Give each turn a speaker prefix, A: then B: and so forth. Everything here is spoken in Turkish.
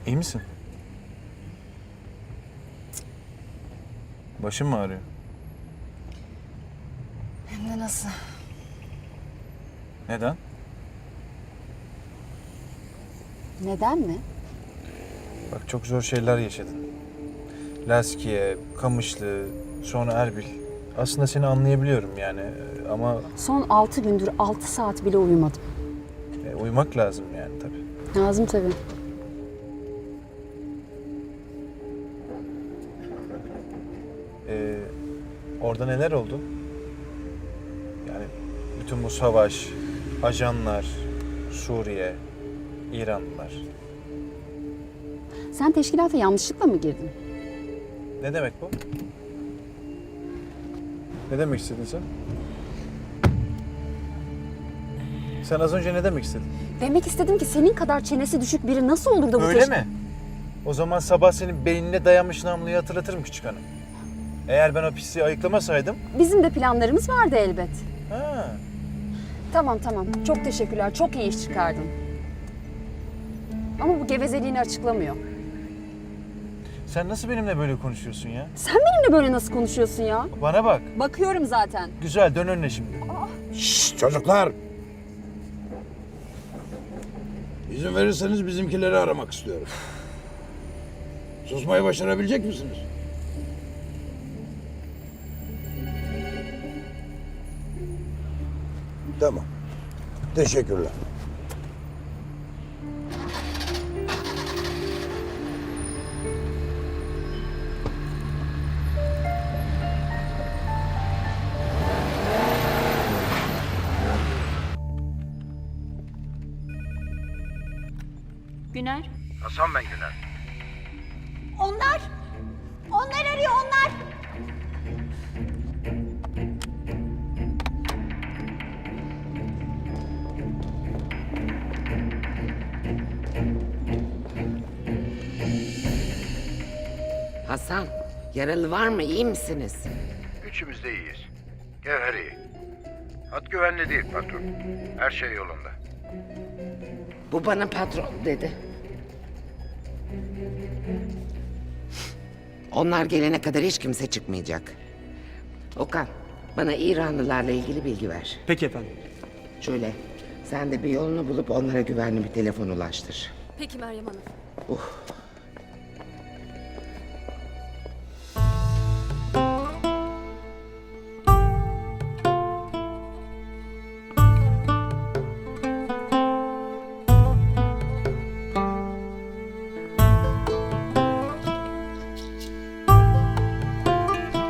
A: İyi misin? Başın mı ağrıyor?
B: Hem de nasıl?
A: Neden?
B: Neden mi?
A: Bak çok zor şeyler yaşadın. Laskiye, Kamışlı, sonra Erbil. Aslında seni anlayabiliyorum yani ama
B: Son 6 gündür 6 saat bile uyumadım.
A: uyumak lazım yani tabii.
B: Lazım tabii.
A: Orada neler oldu? Yani bütün bu savaş, ajanlar, Suriye, İranlılar.
B: Sen teşkilata yanlışlıkla mı girdin?
A: Ne demek bu? Ne demek istedin sen? Sen az önce ne demek istedin?
B: Demek istedim ki senin kadar çenesi düşük biri nasıl olur da bu
A: Öyle mi? O zaman sabah senin beynine dayanmış namluyu hatırlatırım küçük hanım. Eğer ben o pisliği ayıklamasaydım...
B: Bizim de planlarımız vardı elbet.
A: Ha,
B: Tamam. Çok teşekkürler. Çok iyi iş çıkardın. Ama bu gevezeliğini açıklamıyor.
A: sen nasıl benimle böyle konuşuyorsun ya?
B: Sen benimle böyle nasıl konuşuyorsun ya?
A: Bana bak.
B: Bakıyorum zaten.
A: Güzel, dön önüne şimdi.
C: Şşş çocuklar! İzin verirseniz bizimkileri aramak istiyorum. Susmayı başarabilecek misiniz? Tamam. Teşekkürler.
D: Güner.
E: Hasan ben Güner.
D: Onlar! Onlar arıyor onlar!
F: Hasan, yaralı var mı? İyi misiniz?
E: Üçümüz de iyiyiz. Gevher iyi. Hat güvenli değil patron. Her şey yolunda.
F: Bu bana patron dedi. Onlar gelene kadar hiç kimse çıkmayacak. Okan, bana İranlılarla ilgili bilgi ver.
G: Peki efendim.
F: Şöyle, sen de bir yolunu bulup onlara güvenli bir telefon ulaştır.
B: Peki Meryem Hanım.